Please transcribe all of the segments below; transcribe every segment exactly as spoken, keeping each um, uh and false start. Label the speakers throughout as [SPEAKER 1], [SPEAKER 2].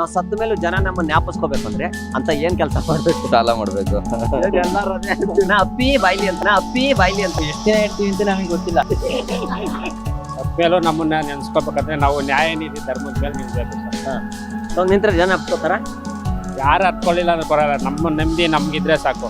[SPEAKER 1] ನಾವು ಸತ್ತ ಮೇಲೂ ಜನ ನಮ್ಮನ್ನ ಜ್ಞಾಪಿಸ್ಕೋಬೇಕು ಅಂದ್ರೆ ಅಂತ ಏನ್ ಕೆಲಸ ಮಾಡ್ಬೇಕು?
[SPEAKER 2] ಸಾಲ ಮಾಡ್ಬೇಕು.
[SPEAKER 1] ಎಲ್ಲರೂ ಅದೇ ಹೇಳ್ತೀವಿ. ನಾ ಅಪ್ಪಿ ಬಾಯ್ಲಿ ಅಂತ ನಾ ಅಪ್ಪಿ ಬಾಯ್ಲಿ ಅಂತ ಎಷ್ಟೇ ಹೇಳ್ತೀವಿ ಅಂತ ನಮಗೆ ಗೊತ್ತಿಲ್ಲ.
[SPEAKER 3] ಮೇಲೂ ನಮ್ಮನ್ನ ನೆನ್ಸ್ಕೋಬೇಕಂದ್ರೆ ನಾವು ನ್ಯಾಯ ನೀತಿ ಧರ್ಮದ ಮೇಲೆ ನಿಲ್ಬೇಕು ಸರ್.
[SPEAKER 1] ಸೊ ನಿಂತ್ರೆ ಜನ ಹತ್ಕೋತಾರ?
[SPEAKER 3] ಯಾರು ಹತ್ಕೊಳ್ಳಿಲ್ಲ ಅಂದ್ರೆ ಬರಲ್ಲ. ನಮ್ಮ ನೆಮ್ಮದಿ ನಮ್ಗಿದ್ರೆ ಸಾಕು.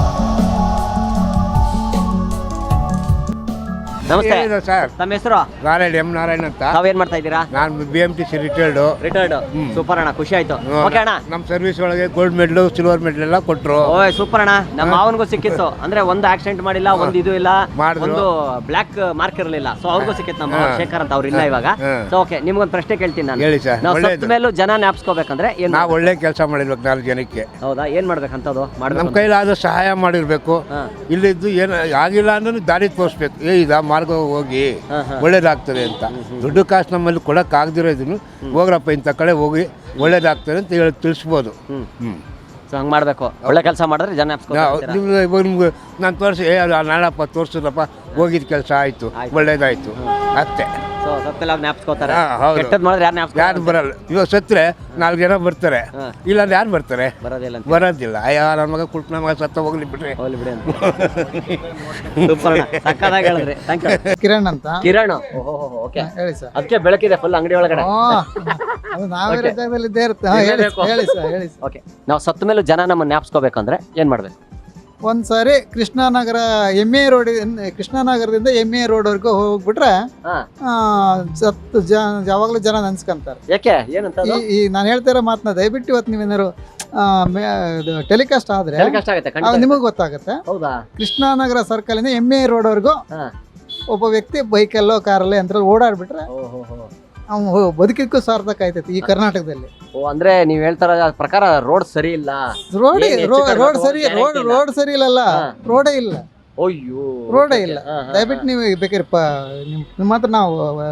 [SPEAKER 1] ನಮಸ್ತೆ
[SPEAKER 4] ಸರ್,
[SPEAKER 1] ತಮ್ಮ ಹೆಸರು?
[SPEAKER 4] ನಾರಾಯಣ ಎಂ ನಾರಾಯಣ ಅಂತ.
[SPEAKER 1] ತಾವೇನ್ ಮಾಡ್ತಾ ಇದ್ದೀರಾ?
[SPEAKER 4] ನಾನು B M T C retired.
[SPEAKER 1] Retired. Super ಅಣ್ಣ, ಖುಷಿ ಆಯ್ತು. ಓಕೆ ಅಣ್ಣ,
[SPEAKER 4] ನಮ್ಮ ಸರ್ವಿಸ್ ಒಳಗೆ ಗೋಲ್ಡ್ ಮೆಡಲ್ ಸಿಲ್ವರ್ ಮೆಡಲ್ ಎಲ್ಲ ಕೊಟ್ರು.
[SPEAKER 1] ಓಯ್ ಸೂಪರ್ ಅಣ್ಣ. ನಮ್ಮ ಮಾವನಿಗೂ ಸಿಕ್ಕಿತ್ತು. ಅಂದ್ರೆ ಒಂದು ಆಕ್ಸಿಡೆಂಟ್ ಮಾಡಿಲ್ಲ, ಒಂದು ಇದು ಇಲ್ಲ, ಒಂದು ಬ್ಲಾಕ್ ಮಾರ್ಕ್ ಇರಲಿಲ್ಲ. ಸೊ ಅವ್ರಿಗೂ ಸಿಕ್ಕಿತ್ತು. ನಮ್ಮ ಶೇಖರ್ ಅಂತ ಅವ್ರು ಇಲ್ಲ ಇವಾಗ. ಸೊ ಓಕೆ, ನಿಮ್ಗೊಂದು ಪ್ರಶ್ನೆ ಕೇಳ್ತೀನಿ ನಾನು.
[SPEAKER 4] ಹೇಳಿ ಸರ್.
[SPEAKER 1] ನಾವು ಸತ್ತ ಮೇಲೂ ಜನ ಜ್ಞಾಪಿಸ್ಕೋಬೇಕಂದ್ರೆ ಏನ್?
[SPEAKER 4] ನಾವು ಒಳ್ಳೆ ಕೆಲಸ ಮಾಡಿರ್ಬೇಕು ನಾಲ್ಕು ಜನಕ್ಕೆ.
[SPEAKER 1] ಹೌದಾ? ಏನ್ ಮಾಡ್ಬೇಕಂತದ್ದು ಮಾಡ್ಬೇಕು?
[SPEAKER 4] ನಮ್ಮ ಕೈಲಾದ ಸಹಾಯ ಮಾಡಿರ್ಬೇಕು. ಇಲ್ಲಿದ್ದು ಏನು ಆಗಿಲ್ಲ ಅಂದ್ರೆ ದಾರಿ ತೋರಿಸ್ಬೇಕು. ಏ ಇದ ಮಾರ್ಗ ಹೋಗಿ ಒಳ್ಳೇದಾಗ್ತದೆ ಅಂತ. ದುಡ್ಡು ಕಾಸು ನಮ್ಮಲ್ಲಿ ಕೊಡಕ್ ಆಗದಿರೋದನ್ನು ಹೋಗ್ರಪ್ಪ ಇಂಥ ಕಡೆ ಹೋಗಿ ಒಳ್ಳೇದಾಗ್ತದೆ ಅಂತ ಹೇಳಿ ತಿಳಿಸ್ಬೋದು. ಹ್ಮ್
[SPEAKER 1] ಸೊ ಹಂಗೆ ಮಾಡಬೇಕು. ಒಳ್ಳೆ ಕೆಲಸ ಮಾಡಿದ್ರೆ ಜನ
[SPEAKER 4] ನಿಮ್ಗೆ ಇವಾಗ ನಿಮ್ಗೆ ನಾನು ತೋರಿಸಿ ಏ ನಾಳಪ್ಪ ತೋರಿಸಿದ್ರಪ್ಪ ಹೋಗಿದ ಕೆಲಸ ಆಯಿತು, ಒಳ್ಳೇದಾಯ್ತು ಅಷ್ಟೇ.
[SPEAKER 1] ಸೊ ಸತ್ತೆಲ್ಲ ಜ್ಞಾಪಿಸ್ಕೋತಾರೆ.
[SPEAKER 4] ಹೌದು.
[SPEAKER 1] ಕೆಟ್ಟದ್ದು ಮಾಡಿದ್ರೆ ಯಾರು ಜ್ಞಾಪಿಸ್ಕೊ
[SPEAKER 4] ಯಾರು ಬರಲ್ಲ. ಇವಾಗ ಸತ್ತರೆ ನಾಲ್ಕು ಜನ ಬರ್ತಾರೆ, ಇಲ್ಲಾಂದ್ರೆ ಯಾರು ಬರ್ತಾರೆ?
[SPEAKER 1] ಬರೋದಿಲ್ಲ ಅಂತ.
[SPEAKER 4] ಬರೋದಿಲ್ಲ. ಅಯ್ಯ ನನ್ನ ಮಗ ಕುಟ್ ನನ್ನ ಮಗ ಸತ್ತ ಹೋಗ್ಲಿ ಬಿಟ್ರೆ
[SPEAKER 1] ಹೋಗ್ಲಿ ಬಿಡಿ ಅಂತ. ಸೂಪರ್ ಅಣ್ಣ, ಸಕ್ಕತ್ತಾಗಿ ಹೇಳಿದ್ರಿ. Thank you.
[SPEAKER 5] ಕಿರಣ್ ಅಂತ.
[SPEAKER 1] ಕಿರಣ್, ಓಕೆ.
[SPEAKER 5] ಹೇಳಿ ಸರ್.
[SPEAKER 1] ಅದಕ್ಕೆ ಬೆಳಕಿದೆ ಫುಲ್ ಅಂಗಡಿ ಒಳಗಡೆ.
[SPEAKER 5] ಅದು ನಾವೇ ಜಾಗದಲ್ಲಿ ಇದ್ದೇ ಇರುತ್ತೆ. ಹಾ, ಹೇಳಿ ಸರ್, ಹೇಳಿ ಸರ್, ಹೇಳಿ ಸರ್.
[SPEAKER 1] ಓಕೆ, ನಾವು ಸತ್ತ ಮೇಲೂ ಜನ ನಮ್ಮನ್ನ ಜ್ಞಾಪಿಸ್ಕೋಬೇಕಂದ್ರೆ ಏನ್ ಮಾಡ್ಬೇಕು?
[SPEAKER 5] ಒಂದ್ಸಾರಿ ಕೃಷ್ಣನಗರ ಎಮ್ ಎ ರೋಡ್ ಕೃಷ್ಣನಗರದಿಂದ ಎಮ್ ಎ ರೋಡ್ವರೆಗೂ ಹೋಗ್ಬಿಟ್ರೆ
[SPEAKER 1] ಹಾ.
[SPEAKER 5] ಆ, ಸತ್ತು ಜ ಯಾವಾಗಲೂ ಜನ ನೆನ್ಸ್ಕೊಂತಾರೆ.
[SPEAKER 1] ಯಾಕೆ? ಏನಂತ ಅದು?
[SPEAKER 5] ಈ ಈ ನಾನು ಹೇಳ್ತಾ ಇರೋ ಮಾತನ್ನ ದಯವಿಟ್ಟು ಇವತ್ತು ನೀವೇನಾದ್ರು ಟೆಲಿಕಾಸ್ಟ್ ಆದ್ರೆ
[SPEAKER 1] ಹೇಳಿ ಕಷ್ಟ ಆಗುತ್ತೆ, ಖಂಡಿತ.
[SPEAKER 5] ನಿಮಗೆ ಗೊತ್ತಾಗುತ್ತೆ.
[SPEAKER 1] ಹೌದಾ?
[SPEAKER 5] ಕೃಷ್ಣನಗರ ಸರ್ಕಲ್ ಇಂದ ಎಮ್ ಎ ರೋಡ್ವರೆಗೂ
[SPEAKER 1] ಹಾ.
[SPEAKER 5] ಒಬ್ಬ ವ್ಯಕ್ತಿ ಬೈಕಲ್ಲೋ ಕಾರಲ್ಲೋ ಯಂತ್ರ ಓಡಾಡ್ಬಿಟ್ರೆ
[SPEAKER 1] ಓಹೋ ಹೋ.
[SPEAKER 5] ಅವ್ನು ಬದುಕಿಕ್ಕೂ ಸಾರ್ಥಕ ಆಯ್ತೈತಿ ಈ ಕರ್ನಾಟಕದಲ್ಲಿ.
[SPEAKER 1] ಓ, ಅಂದ್ರೆ ನೀವ್ ಹೇಳ್ತಾರ ಪ್ರಕಾರ ರೋಡ್ ಸರಿ ಇಲ್ಲ.
[SPEAKER 5] ರೋಡ್
[SPEAKER 1] ಏನ್ ಹೆಚ್ಚು
[SPEAKER 5] ರೋಡ್
[SPEAKER 1] ಕಡಿಮೆ
[SPEAKER 5] ರೋಡ್
[SPEAKER 1] road
[SPEAKER 5] ಸರಿ ರೋಡ್
[SPEAKER 1] guarantee ಇಲ್ಲ.
[SPEAKER 5] ರೋಡ್ ಸರಿ ಇಲ್ಲಲ್ಲ, ರೋಡೇ ಇಲ್ಲ.
[SPEAKER 1] ಅಯ್ಯೋ,
[SPEAKER 5] ರೋಡೇ ಇಲ್ಲ.
[SPEAKER 1] ಹಾ, ಹಾ,
[SPEAKER 5] ದಯವಿಟ್ಟು ನೀವು ಬೇಕಾದ್ರೆ ಪ ನಿಮ್ ನಿಮ್ಮ ಹತ್ರ ನಾವು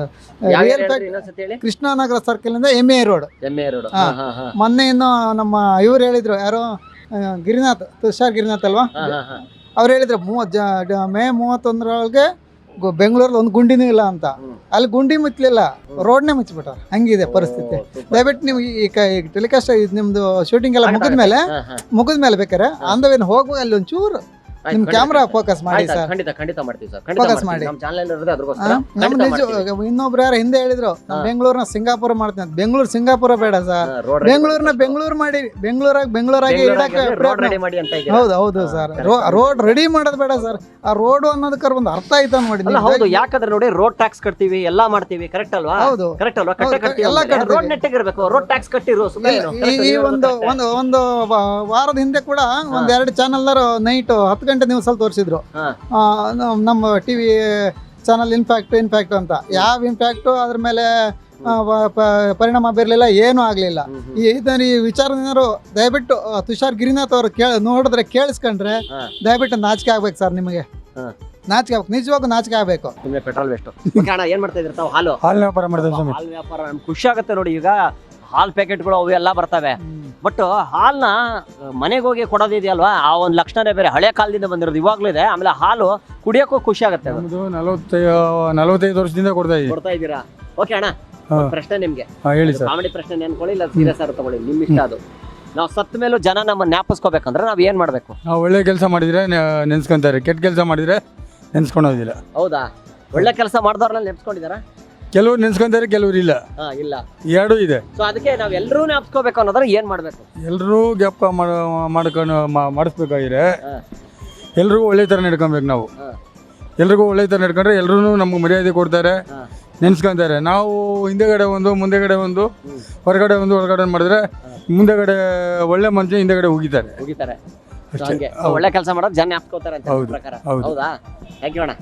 [SPEAKER 1] ಯಾವ
[SPEAKER 5] ರಿಯಲ್
[SPEAKER 1] area
[SPEAKER 5] ಫ್ಯಾಕ್ಟ್
[SPEAKER 1] ಇನ್ನೊಂದ್ಸತಿ ಹೇಳಿ.
[SPEAKER 5] ಕೃಷ್ಣನಗರ ಸರ್ಕಲ್ ಇಂದ M A road.
[SPEAKER 1] M A road.
[SPEAKER 5] ಹಾ. ಮೊನ್ನೆ ಇನ್ನು ನಮ್ಮ ಇವ್ರು ಹೇಳಿದ್ರು, ಯಾರೋ ಆ, ಗಿರಿನಾಥ್, ತುಷಾರ್ ಗಿರಿನಾಥ್ ಅಲ್ವಾ, ಅವ್ರು ಹೇಳಿದ್ರು ಮೂವತ್ ಜ ಮೇ ಮೂವತ್ತೊಂದರೊಳಗೆ ಗು- ಬೆಂಗಳೂರಲ್ಲಿ ಒಂದು ಗುಂಡಿನೂ ಇಲ್ಲ ಅಂತ. ಅಲ್ಲಿ ಗುಂಡಿ ಮುಚ್ಚಲಿಲ್ಲ, ರೋಡ್ನೇ ಮುಚ್ಚಿಬಿಟ್ಟಾರ. ಹಂಗಿದೆ ಪರಿಸ್ಥಿತಿ. ದಯವಿಟ್ಟು ನೀವು ಈ ಟೆಲಿಕಾಸ್ಟ್ ನಿಮ್ದು ಶೂಟಿಂಗ್ ಎಲ್ಲ ಮುಗಿದ್ಮೇಲೆ ಮುಗಿದ್ಮೇಲೆ ಬೇಕಾರೆ ಅಂದವೇನು ಹೋಗುವಾಗ ಅಲ್ಲಿ ಒಂಚೂರು ನಿಮ್ ಕ್ಯಾಮ್ರಾ ಫೋಕಸ್ ಮಾಡಿ ಸರ್.
[SPEAKER 1] ಖಂಡಿತ ಖಂಡಿತ ಮಾಡ್ತೀವಿ ಸರ್.
[SPEAKER 5] Focus ಮಾಡಿ.
[SPEAKER 1] ನಮ್ಮ ಚಾನಲ್ ಇರೋದೇ ಅದಕ್ಕೋಸ್ಕರ.
[SPEAKER 5] ನಮ್ ನಿಜ ಇನ್ನೊಬ್ರು ಯಾರು ಹಿಂದೆ ಹೇಳಿದ್ರು, ಬೆಂಗಳೂರಿನ ಸಿಂಗಾಪುರ ಮಾಡ್ತೀನಿ ಅಂತ. ಬೆಂಗಳೂರು ಸಿಂಗಾಪುರ ಬೇಡ ಸರ್, ಬೆಂಗಳೂರಿನ ಬೆಂಗಳೂರು ಮಾಡಿ, ಬೆಂಗಳೂರಾಗ ಬೆಂಗಳೂರಾಗಿ ಇಡಕ್ಕೆ
[SPEAKER 1] ರೋಡ್ ರೆಡಿ ಮಾಡಿ ಅಂತ ಇದೆ.
[SPEAKER 5] ಹೌದು ಹೌದು ಸರ್. ರೋಡ್ ರೆಡಿ ಮಾಡೋದು ಬೇಡ ಸರ್, ಆ ರೋಡ್ ಅನ್ನೋದಕ್ಕೆ ಒಂದು ಅರ್ಥ ಆಯ್ತಾ ನೋಡಿ.
[SPEAKER 1] ಅಲ್ಲ, ಹೌದು. ಯಾಕಂದ್ರೆ ನೋಡಿ, ರೋಡ್ ಟ್ಯಾಕ್ಸ್ ಕಟ್ತೀವಿ, ಎಲ್ಲಾ ಮಾಡ್ತೀವಿ, ಕರೆಕ್ಟ್ ಅಲ್ವಾ?
[SPEAKER 5] ಹೌದು.
[SPEAKER 1] ಕರೆಕ್ಟ್ ಅಲ್ವಾ? ಕಟ್ಟೆ
[SPEAKER 5] ಹೌದು,
[SPEAKER 1] ಕಟ್ತೀವಿ,
[SPEAKER 5] ಎಲ್ಲ ಕಟ್ತೀವಿ.
[SPEAKER 1] ರೋಡ್ ನೆಟ್ಟಿಗೆ ಇರಬೇಕು. ರೋಡ್ ಟ್ಯಾಕ್ಸ್ ಕಟ್ಟಿರೋ ಸುಮ್ಮನೆ ಏನು?
[SPEAKER 5] ಈ ಈ ಒಂದು ಒಂದು ಒಂದು ವ- ವಾರದ ಹಿಂದೆ ಕೂಡ ಒಂದ್ ಎರಡು ಚಾನಲ್ನವರು ನೈಟ್ ಹತ್ತು ಗಂಟೆ ನ್ಯೂಸ್ ಅಲ್ಲಿ ತೋರಿಸಿದ್ರು.
[SPEAKER 1] ಹಾ.
[SPEAKER 5] ಆ, ನಮ್- ನಮ್ಮ ಟಿವಿ ಚಾನಲ್ ಇನ್ಫ್ಯಾಕ್ಟ್ ಇನ್ಫ್ಯಾಕ್ಟ್ ಅಂತ. ಯಾವ ಇಂಪ್ಯಾಕ್ಟು ಅದ್ರ ಮೇಲೆ ಆ, ವ- ಪ- ಪರಿಣಾಮ ಬೀರಲಿಲ್ಲ, ಏನೂ ಆಗಲಿಲ್ಲ. ಈ ಇದನ್ನ ಈ ವಿಚಾರದಿಂದರು ದಯವಿಟ್ಟು ಆ, ತುಷಾರ್ ಗಿರಿನಾಥ್ ಅವರು ಕೇಳ ನೋಡಿದ್ರೆ ಕೇಳಿಸ್ಕೊಂಡ್ರೆ
[SPEAKER 1] ಹಾ.
[SPEAKER 5] ದಯವಿಟ್ಟು ನಾಚಿಕೆ ಆಗ್ಬೇಕು ಸರ್. ನಿಮಗೆ
[SPEAKER 1] ಹಾ.
[SPEAKER 5] ನಾಚಿಕೆ ಆಗ್ಬೇಕು, ನಿಜವಾಗೂ ನಾಚಿಕೆ ಆಗ್ಬೇಕು.
[SPEAKER 1] ಸುಮ್ಮನೆ ಪೆಟ್ರೋಲ್ ವೇಸ್ಟ್. ಅಣ್ಣ, ಏನ್ ಮಾಡ್ತಾ ಇದ್ರಿ ತಾವು? ಹಾಲು
[SPEAKER 6] ಹಾಲಿನ ವ್ಯಾಪಾರ ಮಾಡ್ತಾರೆ ಸ್ವಾಮಿ.
[SPEAKER 1] ಹಾಲು ವ್ಯಾಪಾರ ನಮ್ಗೆ ಖುಷಿ ಆಗುತ್ತೆ ನೋಡಿ. ಈಗ ಹಾಲ್ ಪ್ಯಾಕೆಟ್ಗಳು ಅವು ಎಲ್ಲ ಬರ್ತವೆ. ಬಟ್ ಹಾಲ್ನ ಮನೆಗೆ ಹೋಗಿ ಕೊಡೋದಿದೆಯಲ್ವಾ, ಆ ಒಂದು ಲಕ್ಷಣನೇ ಬೇರೆ. ಹಳೆ ಕಾಲದಿಂದ ಬಂದಿರೋದು ಇವಾಗ್ಲೂ ಇದೆ. ಆಮೇಲೆ ಹಾಲು ಕುಡಿಯೋಕ್ಕೂ ಖುಷಿ ಆಗುತ್ತೆ. ಅದು
[SPEAKER 6] ನಮ್ದು ನಲವತ್ತೈದು ನಲವತ್ತೈದು ವರ್ಷದಿಂದ ಕೊಡ್ತಾ ಇದ್ದೀವಿ.
[SPEAKER 1] ಕೊಡ್ತಾ ಇದ್ದೀರಾ? ಓಕೆ ಅಣ್ಣ,
[SPEAKER 6] ಹಾ.
[SPEAKER 1] ಒಂದ್ ಪ್ರಶ್ನೆ ನಿಮ್ಗೆ.
[SPEAKER 6] ಹಾ, ಹೇಳಿ ಸರ್.
[SPEAKER 1] ಕಾಮಿಡಿ ಪ್ರಶ್ನೆ ಅನ್ಕೊಳ್ಳಿ, ಇಲ್ಲ ಸೀರಿಯಸ್ ಆಗಿ ತಗೊಳ್ಳಿ, ನಿಮ್ ಇಷ್ಟ ಅದು. ನಾವು ಸತ್ತ ಮೇಲೂ ಜನ ನಮ್ಮ ಜ್ಞಾಪಿಸ್ಕೋಬೇಕಂದ್ರೆ ನಾವ್ ಏನ್ ಮಾಡ್ಬೇಕು?
[SPEAKER 6] ನಾವು ಒಳ್ಳೆ ಕೆಲಸ ಮಾಡಿದ್ರೆ ನೆ- ನೆನ್ಸ್ಕೊಂತಾರೆ, ಕೆಟ್ಟ ಕೆಲಸ ಮಾಡಿದ್ರೆ ನೆನ್ಸ್ಕೊಳೋದಿಲ್ಲ.
[SPEAKER 1] ಹೌದಾ? ಒಳ್ಳೆ ಕೆಲಸ ಮಾಡಿದವ್ರನ್ನ ನೆನ್ಸ್ಕೊಂಡಿದಾರ?
[SPEAKER 6] ಕೆಲವ್ರು ನೆನ್ಸ್ಕೊಂತಾರೆ, ಕೆಲವ್ರು ಇಲ್ಲ.
[SPEAKER 1] ಹಾ, ಇಲ್ಲ.
[SPEAKER 6] ಎರಡೂ ಇದೆ.
[SPEAKER 1] ಸೊ ಅದಕ್ಕೆ ನಾವ್ ಎಲ್ಲರೂ ಜ್ಞಾಪಿಸ್ಕೋಬೇಕು ಅನ್ನೋದ್ರ ಏನ್ ಮಾಡ್ಬೇಕು?
[SPEAKER 6] ಎಲ್ಲರೂ ಜ್ಞಾಪಕ ಮಾಡ್ಕೊಂಡು ಮಾ- ಮಾಡಿಸ್ಬೇಕಾಗಿದ್ರೆ
[SPEAKER 1] ಹಾ.
[SPEAKER 6] ಎಲ್ರಿಗೂ ಒಳ್ಳೆ ಥರ ನಡ್ಕೊಬೇಕು ನಾವು.
[SPEAKER 1] ಹಾ.
[SPEAKER 6] ಎಲ್ರಿಗೂ ಒಳ್ಳೆ ಥರ ನಡ್ಕೊಂಡ್ರೆ ಎಲ್ಲರೂ ನಮ್ಗೆ ಮರ್ಯಾದೆ ಕೊಡ್ತಾರೆ,
[SPEAKER 1] ಹಾ.
[SPEAKER 6] ನೆನ್ಸ್ಕೊಂತಾರೆ. ನಾವು ಹಿಂದೆಗಡೆ ಒಂದು ಮುಂದೆಗಡೆ ಒಂದು ಹೊರಗಡೆ ಒಂದು ಹೊರಗಡೆ ಮಾಡಿದ್ರೆ ಮುಂದೆಗಡೆ ಒಳ್ಳೆ ಮನುಷ್ಯ ಹಿಂದೆಗಡೆ ಹೋಗಿದ್ದಾರೆ.
[SPEAKER 1] ಹೋಗಿತಾರೆ. So
[SPEAKER 6] ಅಷ್ಟೇ.
[SPEAKER 1] ಹಂಗೆ ಒಳ್ಳೆ ಕೆಲಸ ಮಾಡೋದು ಜನ ಜ್ಞಾಪಿಸ್ಕೋತಾರೆ ಅಂತ
[SPEAKER 6] ಹೌದು.
[SPEAKER 1] ನಿಮ್ ಪ್ರಕಾರ.
[SPEAKER 6] ಹೌದು.
[SPEAKER 1] ಹೌದಾ? ಥ್ಯಾಂಕ್ ಯು ಅಣ್ಣ.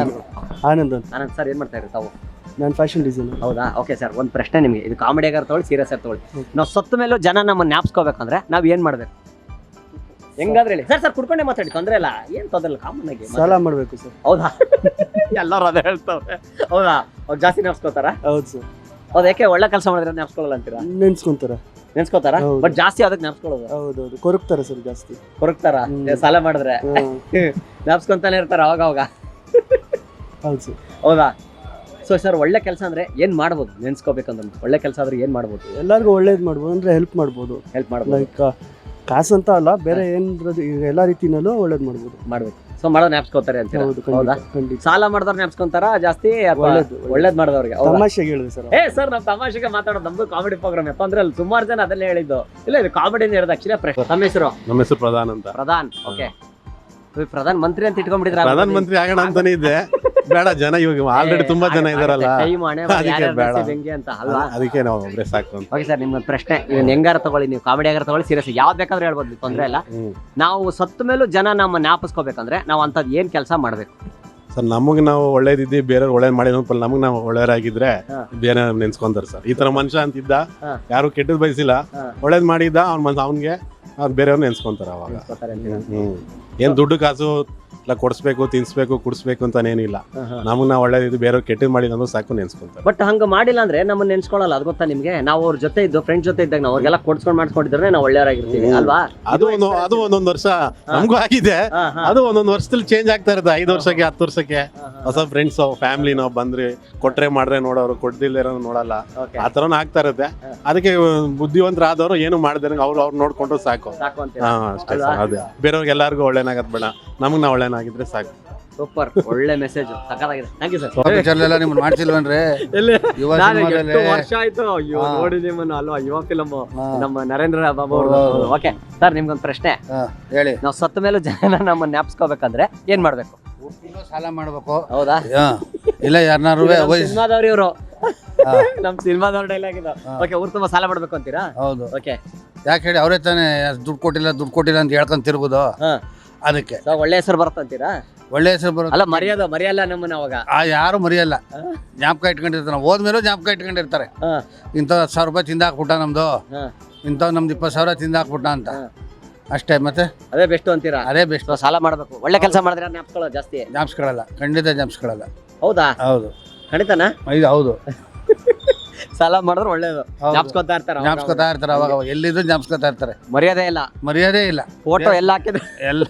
[SPEAKER 7] ಆನಂದ್ ಅಂತ.
[SPEAKER 1] ಆನಂದ್ ಸರ್, ಏನ್ ಮಾಡ್ತಾ ಇರಿ ತಾವು?
[SPEAKER 7] ನಾನು ಫ್ಯಾಷನ್ ಡಿಸೈನ್.
[SPEAKER 1] ಹೌದಾ? ಓಕೆ ಸರ್, ಒಂದು ಪ್ರಶ್ನೆ ನಿಮಗೆ. ಇದು ಕಾಮಿಡಿ ಆಗಾರ ತಗೊಳ್ಳಿ, ಸೀರಿಯಸ್ ಆಗಿ ತಗೊಳ್ಳಿ. ನಾವು ಸತ್ತ ಮೇಲೂ ಜನ ನಮ್ಮನ್ನ ಜ್ಞಾಪಿಸ್ಕೋಬೇಕಂದ್ರೆ ನಾವ್ ಏನ್ ಮಾಡ್ಬೇಕು? ಹೆಂಗಾದ್ರೆ ಹೇಳಿ ಸರ್. ಸರ್ ಕುಡ್ಕೊಂಡೆ ಮಾತಾಡಿ, ತೊಂದ್ರೆ ಇಲ್ಲ, ಏನ್ ತೊಂದ್ರೆ ಇಲ್ಲ, ಕಾಮನ್ ಆಗಿ.
[SPEAKER 7] ಸಾಲ ಮಾಡಬೇಕು ಸರ್.
[SPEAKER 1] ಹೌದಾ? ಎಲ್ಲರೂ ಅದೇ ಹೇಳ್ತಾವ್ರೆ. ಹೌದಾ? ಅವ್ರು ಜಾಸ್ತಿ ನೆನ್ಸ್ಕೋತಾರ?
[SPEAKER 7] ಹೌದು ಸರ್.
[SPEAKER 1] ಹೌದು. ಯಾಕೆ? ಒಳ್ಳೆ ಕೆಲಸ ಮಾಡಿದ್ರೆ ನೆನ್ಸ್ಕೊಳ್ಳಲ್ಲ ಅಂತೀರಾ?
[SPEAKER 7] ನೆನ್ಸ್ಕೊಂತಾರ.
[SPEAKER 1] ನೆನ್ಸ್ಕೋತಾರ,
[SPEAKER 7] ಹೌದು.
[SPEAKER 1] ಬಟ್ ಜಾಸ್ತಿ ಅದಕ್ಕೆ ನೆನ್ಸ್ಕೊಳ್ಳೋದು.
[SPEAKER 7] ಹೌದೌದು, ಕೊರಗ್ತಾರ ಸರ್ ಜಾಸ್ತಿ.
[SPEAKER 1] ಕೊರಗ್ತಾರ ಸಾಲ ಮಾಡಿದ್ರೆ? ನೆನ್ಸ್ಕೊಂತಾನೆ ಇರ್ತಾರ ಅವಾಗ ಅವಾಗ.
[SPEAKER 7] ಹೌದು ಸರ್.
[SPEAKER 1] ಹೌದಾ? ಸೊ ಸರ್ ಒಳ್ಳೆ ಕೆಲಸ ಅಂದ್ರೆ ಏನ್ ಮಾಡ್ಬೋದು ನೆನ್ಸ್ಕೋಬೇಕಂದ್ರೆ ಒಳ್ಳೆ ಕೆಲಸ ಆದ್ರೆ ಏನ್ ಮಾಡ್ಬೋದು
[SPEAKER 7] ಎಲ್ಲರಿಗೂ ಒಳ್ಳೇದು ಮಾಡ್ಬೋದು ಅಂದರೆ ಹೆಲ್ಪ್ ಮಾಡ್ಬೋದು.
[SPEAKER 1] ಹೆಲ್ಪ್ ಮಾಡ್ಬೋದು
[SPEAKER 7] ಲೈಕ್ ಕಾಸು ಅಂತ ಅಲ್ಲ, ಬೇರೆ ಏನಾದ್ರು ಈಗ ಎಲ್ಲ ರೀತಿನಲ್ಲೂ ಒಳ್ಳೇದು ಮಾಡ್ಬೋದು.
[SPEAKER 1] ಮಾಡ್ಬೇಕು. ಸೊ ಮಾಡೋ ನ್ಯಾಪ್ಸ್ಕೋತಾರೆ ಅಂತ
[SPEAKER 7] ಹೌದು,
[SPEAKER 1] ಹೌದಾ?
[SPEAKER 7] ಖಂಡಿತ ಖಂಡಿತ.
[SPEAKER 1] ಸಾಲ ಮಾಡಿದವ್ರು ನ್ಯಾಪ್ಸ್ಕೊಂತಾರ ಜಾಸ್ತಿ ಅಥವಾ
[SPEAKER 7] ಒಳ್ಳೇದು
[SPEAKER 1] ಒಳ್ಳೇದ್ ಮಾಡಿದವ್ರಿಗೆ?
[SPEAKER 7] ತಮಾಷೆಗೆ ಹೇಳಿದೆ ಸರ್.
[SPEAKER 1] ಏ ಸರ್ ನಾವ್ ತಮಾಷೆಗೆ ಮಾತಾಡೋದು, ನಮ್ದು ಕಾಮಿಡಿ ಪ್ರೋಗ್ರಾಮ್ ಯಾಕಂದ್ರೆ ಅಲ್ಲಿ ಸುಮಾರು ಜನ ಅದನ್ನೇ ಹೇಳಿದ್ದು. ಇಲ್ಲ ಇದು ಕಾಮಿಡಿನೇ ಇರೋದು ಆಕ್ಚುಲಿ. ಪ್ರಶ್ನೆ ತಮ್ಮ ಹೆಸರು?
[SPEAKER 2] ನಮ್ಮ ಹೆಸರು ಪ್ರಧಾನ್ ಅಂತ.
[SPEAKER 1] ಪ್ರಧಾನ್. ಓಕೆ, ಪ್ರಧಾನ ಮಂತ್ರಿ ಅಂತ ಇಟ್ಕೊಂಡ್ಬಿಟ್ಟಿದ್ರ?
[SPEAKER 2] ಪ್ರಧಾನ ಮಂತ್ರಿ ಆಗೋಣ ಅಂತಾನೆ ಇದೆ. ಬೇಡ, ಜನ ಇವಾಗ ಆಲ್ರೆಡಿ ತುಂಬಾ ಜನ ಇದಾರಲ್ಲ,
[SPEAKER 1] ಟೈಮ್ ಹಣೆ
[SPEAKER 2] ಅದಕ್ಕೆ ಬೇಡ.
[SPEAKER 1] ಹೆಂಗೆ ಅಂತ ಅಲ್ವಾ?
[SPEAKER 2] ಅದಕ್ಕೆ ನಾವು ಒಬ್ಬರೇ ಸಾಕು ಅಂತ.
[SPEAKER 1] ಓಕೆ ಸರ್, ನಿಮ್ಗೆ ಪ್ರಶ್ನೆ ಇದನ್ನ ಹೆಂಗಾರ ತಗೊಳ್ಳಿ, ನೀವು ಕಾಮಿಡಿ ಆಗಾರ ತಗೊಳ್ಳಿ, ಸೀರಿಯಸ್ ಯಾವ್ದು ಬೇಕಾದ್ರೂ ಹೇಳ್ಬೋದು, ತೊಂದ್ರೆ ಇಲ್ಲ.
[SPEAKER 2] ಹ್ಮ್.
[SPEAKER 1] ನಾವು ಸತ್ತ ಮೇಲೂ ಜನ ನಮ್ಮ ಜ್ಞಾಪಿಸ್ಕೋಬೇಕಂದ್ರೆ ನಾವು ಅಂತದ್ ಏನ್ ಕೆಲಸ ಮಾಡ್ಬೇಕು?
[SPEAKER 2] ಸರ್ ನಮಗೆ ನಾವು ಒಳ್ಳೇದಿದ್ದಿ ಬೇರೆಯವ್ರು ಒಳ್ಳೇದ್ ಮಾಡಿ ನಮಗೆ ನಾವು ಒಳ್ಳೆಯವರಾಗಿದ್ರೆ
[SPEAKER 1] ಹಾ.
[SPEAKER 2] ಬೇರೆ ನೆನ್ಸ್ಕೊಂತಾರೆ ಸರ್. ಈ ತರ ಮನುಷ್ಯ ಅಂತಿದ್ದ,
[SPEAKER 1] ಹಾ.
[SPEAKER 2] ಯಾರು ಕೆಟ್ಟದ್ ಬಯಸಿಲ್ಲ,
[SPEAKER 1] ಹಾ.
[SPEAKER 2] ಒಳ್ಳೇದ್ ಮಾಡಿದ್ದ ಅವ್ನ ಮನ್ಸ ಅವ್ನಿಗೆ ಅವ್ರು ಬೇರೆಯವ್ರು ನೆನ್ಸ್ಕೊಂತಾರೆ ಅವಾಗ.
[SPEAKER 1] ನೆನ್ಸ್ಕೊತಾರೆ ಅಂತೀರಾ?
[SPEAKER 2] ಹ್ಮ್ ಏನ್ ದುಡ್ಡು ಕಾಸು ಇಲ್ಲ ಕೊಡ್ಸ್ಬೇಕು, ತಿನ್ಸ್ಬೇಕು, ಕುಡಿಸ್ಬೇಕು ಅಂತಾನೇನಿಲ್ಲ. ನಮಗ್ ನಾವು ಒಳ್ಳೇದಿದ್ದು ಬೇರೆಯವ್ರು ಕೆಟ್ಟದ್ ಮಾಡಿದಂದ್ರೆ ಸಾಕು ನೆನ್ಸ್ಕೊಂತಾರೆ.
[SPEAKER 1] ಬಟ್ ಹಂಗ ಮಾಡಿಲ್ಲ ಅಂದ್ರೆ ನಮ್ಮನ್ನ ನೆನ್ಸ್ಕೊಳಲ್ಲ, ಅದು ಗೊತ್ತಾ ನಿಮ್ಗೆ? ನಾವು ಅವ್ರ ಜೊತೆ ಇದ್ದು ಫ್ರೆಂಡ್ ಜೊತೆ ಇದ್ದಾಗ ನಾವು ಅವ್ರಿಗೆಲ್ಲ ಕೊಡ್ಸ್ಕೊಂಡ್ ಮಾಡ್ಸ್ಕೊಂಡಿದ್ರೆ ನಾವು ಒಳ್ಳೆಯವರಾಗಿರ್ತೀವಿ ಅಲ್ವಾ?
[SPEAKER 2] ಅದು ಒಂದು ಅದು ಒಂದೊಂದ್ ವರ್ಷ ನಮಗೂ ಆಗಿದೆ. ಅದು ಒಂದೊಂದ್ ವರ್ಷದಲ್ಲಿ ಚೇಂಜ್ ಆಗ್ತಾ ಇರುತ್ತೆ. ಐದು ವರ್ಷಕ್ಕೆ ಹತ್ತು ವರ್ಷಕ್ಕೆ ಹೊಸ ಫ್ರೆಂಡ್ಸ್ ಫ್ಯಾಮಿಲಿ ನಾವು ಬಂದ್ರೆ ಕೊಟ್ರೆ ಮಾಡ್ರೆ ನೋಡೋರು, ಕೊಡ್ದಿಲ್ಲ ನೋಡಲ್ಲ, ಆ ತರನು ಆಗ್ತಾ ಇರುತ್ತೆ. ಅದಕ್ಕೆ ಬುದ್ಧಿವಂತರಾದವರು ಏನು ಮಾಡಿದ್ರೆ ಅವ್ರು ಅವ್ರು ನೋಡ್ಕೊಂಡ್ರು ಸಾಕು.
[SPEAKER 1] ಸಾಕು ಅಂತ
[SPEAKER 2] ಹಾ ಅಷ್ಟೇ ಸರ್. ಅದೇ ಬೇರೆಯವ್ರಿಗೆ ಎಲ್ಲಾರ್ಗು ಒಳ್ಳೇನಾಗದ್ ಬೇಡ, ನಮಗ್ ನಾವು ಒಳ್ಳೇನಾಗಿದ್ರೆ ಸಾಕು.
[SPEAKER 1] ಸೂಪರ್, ಒಳ್ಳೆ ಮೆಸೇಜ್, ಸಕ್ಕತ್ತಾಗಿದೆ. Thank you sir.
[SPEAKER 8] ಪಿಕ್ಚರ್ಲೆಲ್ಲ ನಿಮ್ಮನ್ನ ಮಾಡ್ಸಿಲ್ವನ್ರಿ? ಯುವ ಸಿನಿಮಾದಲ್ಲಿ
[SPEAKER 1] ವರ್ಷ ಆಯ್ತು ಅಯ್ಯೋ
[SPEAKER 8] ಹಾ.
[SPEAKER 1] ನೋಡಿ ನಿಮ್ಮನ್ನ ಅಲ್ವಾ, ಯುವ ಫಿಲಮ್
[SPEAKER 8] ಹಾ.
[SPEAKER 1] ನಮ್ಮ ನರೇಂದ್ರ ಬಾಬು ಅವರು.
[SPEAKER 8] ಹೌದು.
[SPEAKER 1] ಓಕೆ ಸರ್, ನಿಮ್ಗೊಂದು ಪ್ರಶ್ನೆ.
[SPEAKER 8] ಹಾ, ಹೇಳಿ.
[SPEAKER 1] ನಾವು ಸತ್ತ ಮೇಲೂ ಜನ ನಮ್ಮ ಜ್ಞಾಪಿಸ್ಕೋಬೇಕಂದ್ರೆ ಏನ್ ಮಾಡ್ಬೇಕು?
[SPEAKER 8] ಇನ್ನೂ ಸಾಲ ಮಾಡ್ಬೇಕು.
[SPEAKER 1] ಹೌದಾ?
[SPEAKER 8] ಹಾ. ಇಲ್ಲ ಯಾರನ್ನಾರು ವಯಸ್ಸು.
[SPEAKER 1] ಸಿನಿಮಾದವ್ರು ಇವರು,
[SPEAKER 8] ಹಾ.
[SPEAKER 1] ನಮ್ ಸಿನಿಮಾದವ್ರ ಡೈಲಾಗ್ ಇದು.
[SPEAKER 8] ಹಾ.
[SPEAKER 1] ಓಕೆ, ಊರ್ ತುಂಬಾ ಸಾಲ ಮಾಡ್ಬೇಕು ಅಂತೀರಾ?
[SPEAKER 8] ಹೌದು.
[SPEAKER 1] ಓಕೆ,
[SPEAKER 8] ಯಾಕೆ ಹೇಳಿ, ಅವರೇ ತಾನೇ ದುಡ್ಡು ಕೊಟ್ಟಿಲ್ಲ ದುಡ್ಡು ಕೊಟ್ಟಿಲ್ಲ ಅಂತ ಹೇಳ್ಕೊಂತಿರ್ಬೋದು.
[SPEAKER 1] ಹಾ.
[SPEAKER 8] ಅದಕ್ಕೆ
[SPEAKER 1] ಸೊ ಒಳ್ಳೆ ಹೆಸರು ಬರುತ್ತಂತೀರಾ?
[SPEAKER 8] ಒಳ್ಳೆ ಹೆಸರು ಬರೋದು.
[SPEAKER 1] ಅಲ್ಲ, ಮರ್ಯಾದ ಮರ್ಯಾಲ್ಲ ನಮ್ಮನ್ನ ಅವಾಗ.
[SPEAKER 8] ಆ ಯಾರು ಮರೆಯಲ್ಲ, ಜ್ಞಾಪಕ ಇಟ್ಕೊಂಡಿರ್ತಾರೆ. ಹೋದ್ಮೇಲೂ ಜ್ಞಾಪಕ ಇಟ್ಕೊಂಡಿರ್ತಾರೆ.
[SPEAKER 1] ಹಾ.
[SPEAKER 8] ಇಂಥ ಹತ್ತು ಸಾವಿರ ರೂಪಾಯಿ ತಿಂದಾಕ್ಬಿಟ್ಟ ನಮ್ದು,
[SPEAKER 1] ಹಾ.
[SPEAKER 8] ಇಂಥ ನಮ್ದು ಇಪ್ಪತ್ತು ಸಾವಿರ ತಿಂದಾಕ್ಬಿಟ್ಟ ಅಂತ.
[SPEAKER 1] ಹಾ.
[SPEAKER 8] ಅಷ್ಟೇ, ಮತ್ತೆ
[SPEAKER 1] ಅದೇ ಬೆಸ್ಟ್ ಅಂತೀರಾ?
[SPEAKER 8] ಅದೇ ಬೆಸ್ಟ್.
[SPEAKER 1] ಸೊ ಸಾಲ ಮಾಡ್ಬೇಕು, ಒಳ್ಳೆ ಕೆಲಸ ಮಾಡಿದ್ರೆ ಜ್ಞಾಪಿಸ್ಕೊಳ್ಳೋದು ಜಾಸ್ತಿ.
[SPEAKER 8] ಜ್ಞಾಪಿಸ್ಕೊಳ್ಳಲ್ಲ, ಖಂಡಿತ ಜ್ಞಾಪಿಸ್ಕೊಳ್ಳಲ್ಲ.
[SPEAKER 1] ಹೌದಾ?
[SPEAKER 8] ಹೌದು,
[SPEAKER 1] ಖಂಡಿತನಾ?
[SPEAKER 8] ಇದು ಹೌದು.
[SPEAKER 1] ಸಾಲ ಮಾಡಿದ್ರೆ ಒಳ್ಳೇದು,
[SPEAKER 8] ಹೌದು.
[SPEAKER 1] ಜ್ಞಾಪಿಸ್ಕೊತಾ ಇರ್ತಾರ.
[SPEAKER 8] ಜ್ಞಾಪಿಸ್ಕೊತಾ ಇರ್ತಾರೆ, ಅವಾಗ ಅವಾಗ ಎಲ್ಲಿದ್ರು ಜ್ಞಾಪಿಸ್ಕೊತಾ ಇರ್ತಾರೆ.
[SPEAKER 1] ಮರ್ಯಾದೆ ಇಲ್ಲ,
[SPEAKER 8] ಮರ್ಯಾದೆ ಇಲ್ಲ.
[SPEAKER 1] ಫೋಟೋ ಎಲ್ಲ ಹಾಕಿದ್ರೆ
[SPEAKER 8] ಎಲ್ಲ